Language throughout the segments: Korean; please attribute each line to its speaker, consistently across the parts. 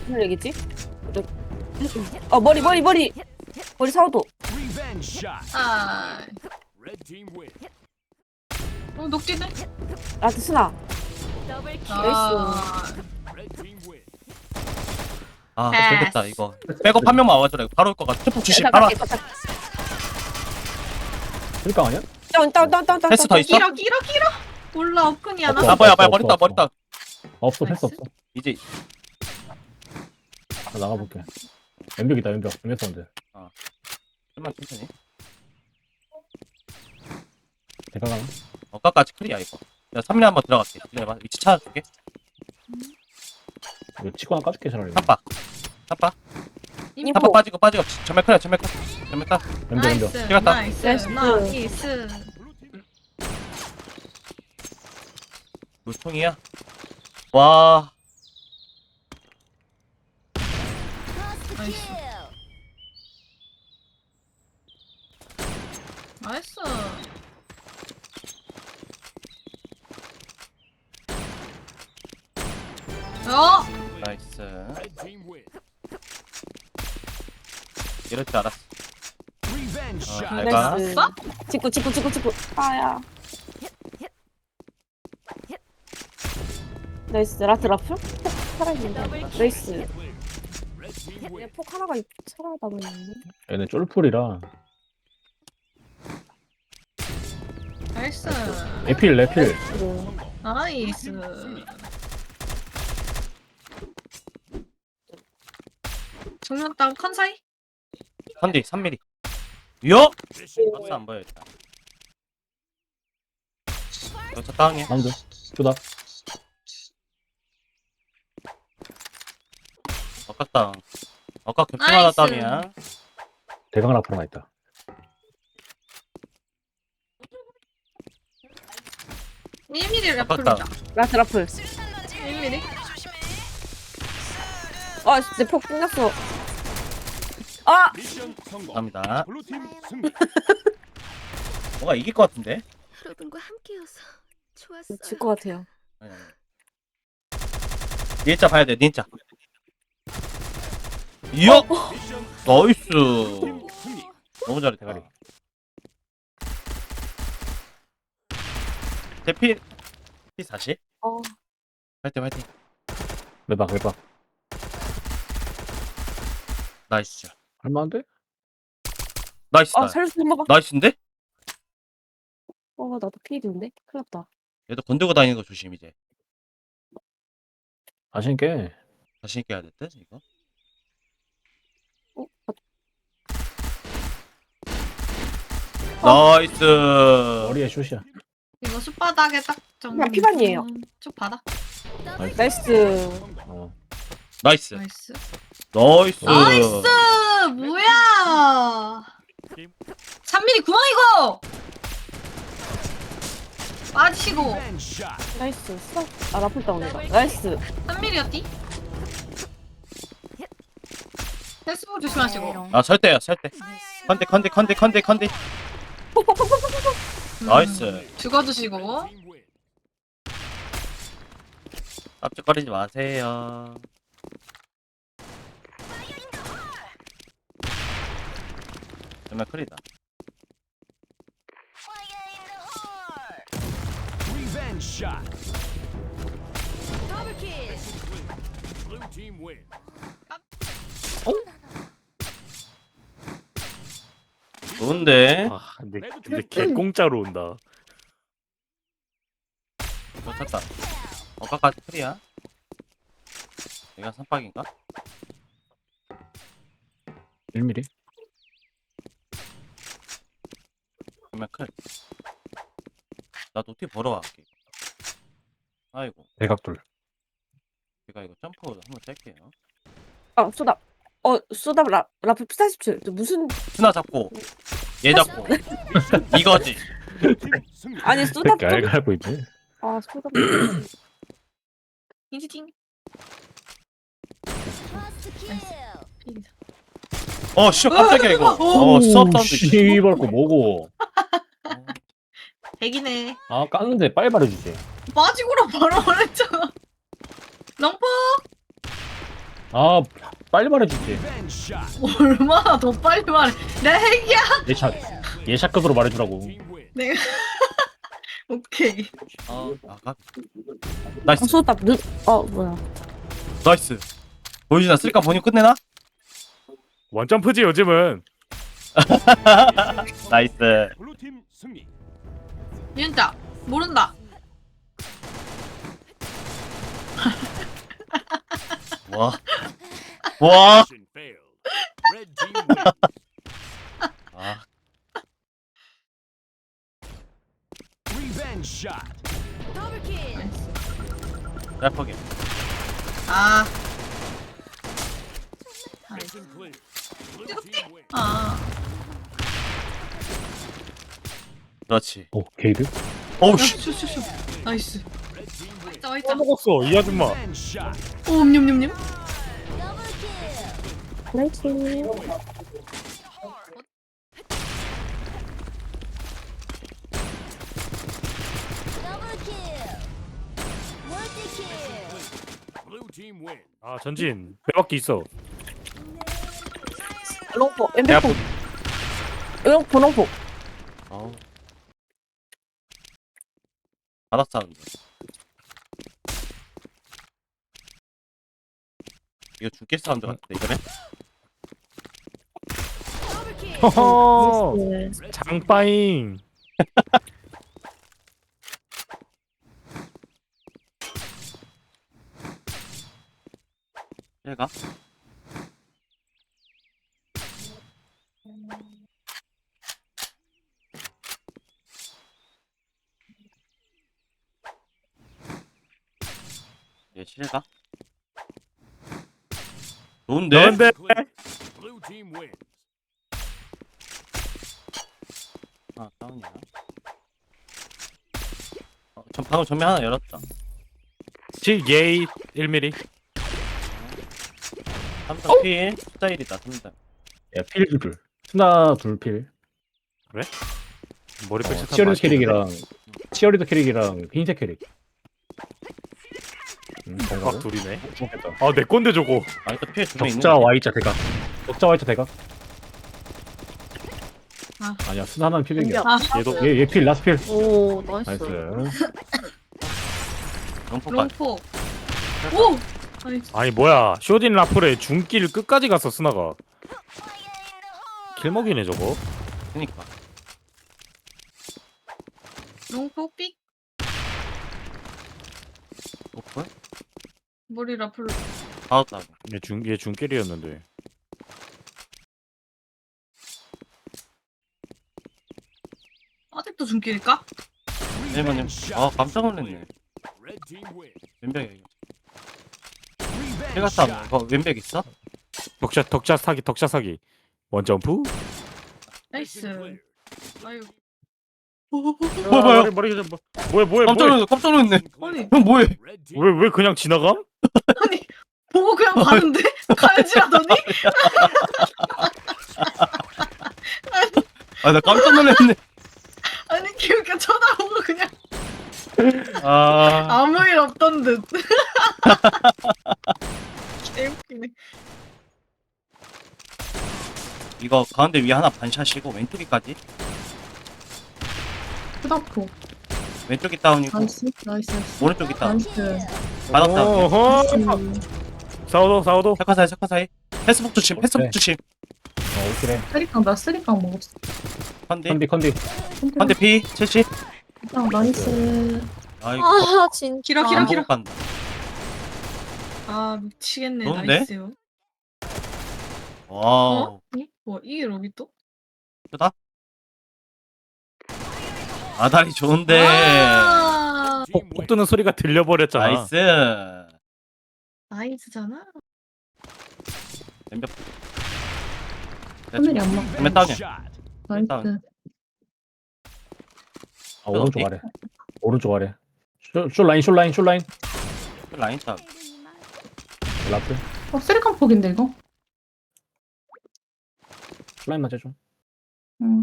Speaker 1: 무슨 얘기지? 머리 사오도.
Speaker 2: 아. 녹지네?
Speaker 1: 라트 스나.
Speaker 2: 아.
Speaker 3: 아
Speaker 2: 패스.
Speaker 3: 됐다 이거 백업 한 명만 와줘라 이거 바로 올 것 같아. 트폭 주심
Speaker 1: 나
Speaker 3: 바로
Speaker 1: 갈게,
Speaker 3: 왔다.
Speaker 4: 쓸까 아니야?
Speaker 1: 다운.
Speaker 3: 패스 더 있어?
Speaker 2: 길어. 몰라, 업근이야, 나.
Speaker 4: 없어.
Speaker 3: 아 뭐야 머리 따
Speaker 4: 없어 패스 없어.
Speaker 3: 이제
Speaker 4: 나 나가볼게. 왼벽이다 왼벽. 왼벽 사운드.
Speaker 3: 좀만 천천히.
Speaker 4: 대가가.
Speaker 3: 어까까지 클리야 이거. 야 3일 한번 들어갈게. 기다려봐. 위치 찾아줄게.
Speaker 4: 이거 치고 하나 까줄게 차라리.
Speaker 3: 탑바
Speaker 1: 인포.
Speaker 3: 탑바 빠지고 전멸 클리야 전멸 딱.
Speaker 4: 왼벽.
Speaker 3: 찍었다.
Speaker 2: 나이스.
Speaker 3: 물통이야. 와
Speaker 2: 나이스.
Speaker 3: 나이스. 이럴 줄 알았어. 내가
Speaker 1: 나이스.
Speaker 2: 어?
Speaker 1: 직구. 아야. 나이스. 라플? 살아있는데. 나이스. 폭 하나가 살아남았는데.
Speaker 4: 얘네 쫄풀이라.
Speaker 2: 나이스.
Speaker 4: 에필 레필.
Speaker 2: 나이스. 정면 땅 컨사이?
Speaker 3: 컨디 3mm. 요? 박스 안 보여 일단. 여기서 다운이야.
Speaker 4: 남들. 쪼다.
Speaker 3: 어까 다운. 어까 겹치마다
Speaker 2: 나이스.
Speaker 3: 다운이야.
Speaker 4: 대강 라플 하나 있다.
Speaker 2: 일 m m
Speaker 3: 아깝다.
Speaker 2: 래플이다.
Speaker 1: 라플.
Speaker 2: 1mm?
Speaker 1: 진짜 폭 끝났어. 아!
Speaker 3: 감사합니다. 뭔가 이길 것 같은데?
Speaker 5: 여러분과 함께여서 좋았어요.
Speaker 1: 질 것 같아요.
Speaker 3: 아니. 니은자 봐야 돼, 니은자. 이야! 나이스. 너무 잘해, 대가리. 대피, P40? 화이팅.
Speaker 4: 외박.
Speaker 3: 나이스.
Speaker 4: 할만한데?
Speaker 3: 나이스다.
Speaker 1: 살려서 한 번만.
Speaker 3: 나이스인데?
Speaker 1: 나도 피해인데? 큰일 났다.
Speaker 3: 얘도 건들고 다니는 거 조심, 이제.
Speaker 4: 자신있게.
Speaker 3: 자신있게 해야 될 듯, 이거. 나이스.
Speaker 4: 머리에 슛이야.
Speaker 2: 이거 숯바닥에 딱 정도.
Speaker 1: 그냥 피반이에요.
Speaker 2: 쭉 받아.
Speaker 1: 나이스.
Speaker 4: 어.
Speaker 3: 나이스.
Speaker 2: 나이스.
Speaker 3: 나이스.
Speaker 2: 나이스! 뭐야! 3mm 구멍 이거! 빠지시고.
Speaker 1: 나이스. 라플 다운이다. 나이스.
Speaker 2: 3mm였디? 패스볼 조심하시고.
Speaker 3: 아, 설대야, 설대. 컨대. 나이스.
Speaker 2: 죽어주시고.
Speaker 3: 깜짝거리지 마세요. 정말 크리다. 좋은데?
Speaker 6: 아, 근데 개 공짜로 온다.
Speaker 3: 놓쳤다. 어까까지 크리야? 내가 선박인가?
Speaker 4: 1mm.
Speaker 3: 정말 클. 나 노티 보러 갈게. 아이고,
Speaker 4: 대각돌.
Speaker 3: 제가 이거 점프 한번 짤게요.
Speaker 1: 쏘다 라플 P47. 무슨
Speaker 3: 스나 잡고, 얘 잡고. 이거지.
Speaker 1: 아니 쏘다
Speaker 4: 새끼 알고 알고 있네.
Speaker 1: 쏘다.
Speaker 2: 인지팅.
Speaker 3: 씨, 깜짝이야, 이거. 수업 사운드.
Speaker 4: 씨발 거 뭐고.
Speaker 2: 백이네.
Speaker 4: 아 깠는데 빨리 말해주지.
Speaker 2: 빠지고라 바로 말했잖아. 롱포!
Speaker 4: 아 빨리 말해주지.
Speaker 2: 얼마나 더 빨리 말해. 내 핵이야.
Speaker 4: 예샷급으로 말해주라고.
Speaker 2: 내가 오케이.
Speaker 3: 아가 나이스
Speaker 1: 수답 뭐야.
Speaker 3: 나이스 보여주나 쓸까 본인 끝내나?
Speaker 6: 원점프지 요즘은.
Speaker 3: 나이스
Speaker 7: 블루팀 승리.
Speaker 2: 진짜 모른다.
Speaker 3: 와 와.
Speaker 7: Mission failed. Red team wins.
Speaker 3: 아
Speaker 7: Revenge shot.
Speaker 3: 래퍼게
Speaker 2: 아.
Speaker 7: Mission clear. Blue team wins.
Speaker 2: 아.
Speaker 3: 그렇지
Speaker 4: 오 게이드?
Speaker 3: 오우씨
Speaker 2: 슈슈슈. 나이스.
Speaker 7: Red team wins.
Speaker 2: 있다 있다.
Speaker 6: 먹었어 이 아줌마.
Speaker 7: Revenge shot.
Speaker 2: 오 냠냠냠.
Speaker 1: 나이스.
Speaker 7: Blue team wins.
Speaker 6: 아 전진 빼박기 있어.
Speaker 1: 롱포,
Speaker 3: 내가
Speaker 1: 엠베포. 롱포, 롱포.
Speaker 3: 어우 바닥 사운드 이거 중계 사운드 같은데 이번에?
Speaker 6: 허허.
Speaker 1: 나이스.
Speaker 6: 장빠잉.
Speaker 3: 얘가? 얘 실가? 좋은데?
Speaker 6: 너인데.
Speaker 7: Clear. Blue team wins.
Speaker 3: 아 다운이야 전 방금 전면 하나 열었다
Speaker 6: 예이 1mm.
Speaker 3: 3단 필 스타일이다 3단
Speaker 4: 야필 둘. 스나 둘필.
Speaker 6: 머리 빽
Speaker 4: 치어리더 캐릭이랑 치어리더 캐릭이랑 흰색 캐릭.
Speaker 6: 각 둘이네.
Speaker 4: 좋겠다.
Speaker 6: 아 내 건데 저거.
Speaker 3: 아니 또필 두명 있는
Speaker 4: 적자 Y자 대각. 적자 Y자 대각.
Speaker 2: 아.
Speaker 4: 아니야 스나는 필백이야.
Speaker 2: 아.
Speaker 6: 얘도
Speaker 4: 얘필 라스 필.
Speaker 1: 오, 나이스.
Speaker 4: 나이스.
Speaker 3: 롱포까지
Speaker 2: 롱포. 오. 나이스.
Speaker 6: 아니 뭐야 쇼딘 라플의 중길 끝까지 갔어 스나가. 킬먹이네 저거.
Speaker 3: 그니까
Speaker 2: 롱포 삑.
Speaker 3: 오픈?
Speaker 2: 머리 라플로.
Speaker 3: 받았다고
Speaker 6: 얘 중길이었는데.
Speaker 2: 아직도 중길일까?
Speaker 3: 일본님 아 깜짝 놀랐네
Speaker 7: Red team wins.
Speaker 3: 왼벽에
Speaker 7: Revenge
Speaker 3: 필 갔다 왔네 이거 왼벽 있어?
Speaker 6: 덕샷 사기. 원점프.
Speaker 2: 나이스.
Speaker 7: clear.
Speaker 2: 아유.
Speaker 3: 뭐야?
Speaker 6: 머리 뭐야
Speaker 3: 깜짝 놀랐네
Speaker 2: 아니
Speaker 3: 형 뭐해
Speaker 7: Red team
Speaker 6: 왜 그냥 지나감?
Speaker 2: 아니 보고 그냥 가는데 가야지라더니
Speaker 3: 아 나 깜짝 놀랐네
Speaker 2: 아니 기우가 쳐다보고 그냥
Speaker 3: 아
Speaker 2: 아무 일 없던 듯. 개웃기네.
Speaker 3: 이거 가운데 위에 하나 반샷이고 왼쪽에까지
Speaker 2: 후다포.
Speaker 3: 왼쪽이 다운이고
Speaker 2: 나이스 나이스
Speaker 3: 오른쪽이 다운
Speaker 2: 나이스.
Speaker 3: 바닥 다운
Speaker 6: 어허. 사오도.
Speaker 3: 사카 사이 패스북 조심 패스북 조심
Speaker 4: 오케이.
Speaker 2: 쓰리깡 나 쓰리깡 먹었어.
Speaker 3: 컨디
Speaker 4: 컨디.
Speaker 3: 컨디 P 70
Speaker 2: 나이스.
Speaker 3: 아이고
Speaker 1: 아, 진짜.
Speaker 2: 길어
Speaker 3: 안
Speaker 2: 길어
Speaker 3: 보고
Speaker 2: 길어.
Speaker 3: 간다
Speaker 2: 아 미치겠네.
Speaker 3: 좋은데?
Speaker 2: 나이스요.
Speaker 3: 와우
Speaker 2: 뭐 이게 로비 또?
Speaker 3: 크다 아다리 좋은데
Speaker 2: 아,
Speaker 7: team
Speaker 6: 폭
Speaker 7: wins.
Speaker 6: 뜨는 소리가 들려버렸잖아.
Speaker 3: 나이스
Speaker 2: 나이스잖아.
Speaker 3: 왼벽
Speaker 2: 하늘이 안 먹.
Speaker 3: 왼 다운이야
Speaker 7: Shot.
Speaker 3: 다운.
Speaker 4: 아 오른쪽 아래. 오른쪽 아래. 숏 라인.
Speaker 3: 라인 다운
Speaker 4: 라플.
Speaker 2: 쓰리깡 폭인데 이거?
Speaker 4: 숏 라인 맞아 좀.
Speaker 2: 응.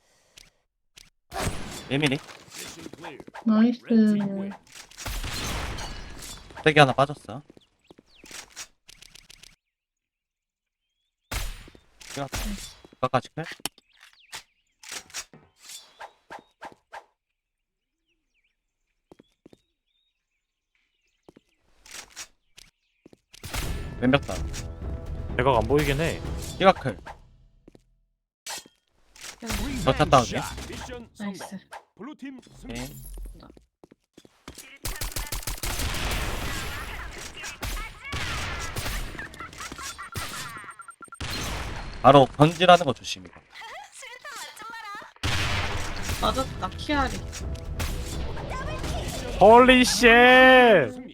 Speaker 3: 예민이
Speaker 7: Mission clear.
Speaker 2: 나이스.
Speaker 7: Red team wins.
Speaker 3: 세개 하나 빠졌어. 까까지 클? 왼벽다.
Speaker 6: 대각 안 보이긴 해.
Speaker 3: 띠가클. 저 탔다 오지?
Speaker 7: 미션 성공.
Speaker 2: 나이스.
Speaker 7: 블루팀 승리.
Speaker 3: 오케이. 바로 번지라는 거 조심해.
Speaker 2: 맞았다 키아리.
Speaker 6: 홀리 쉣.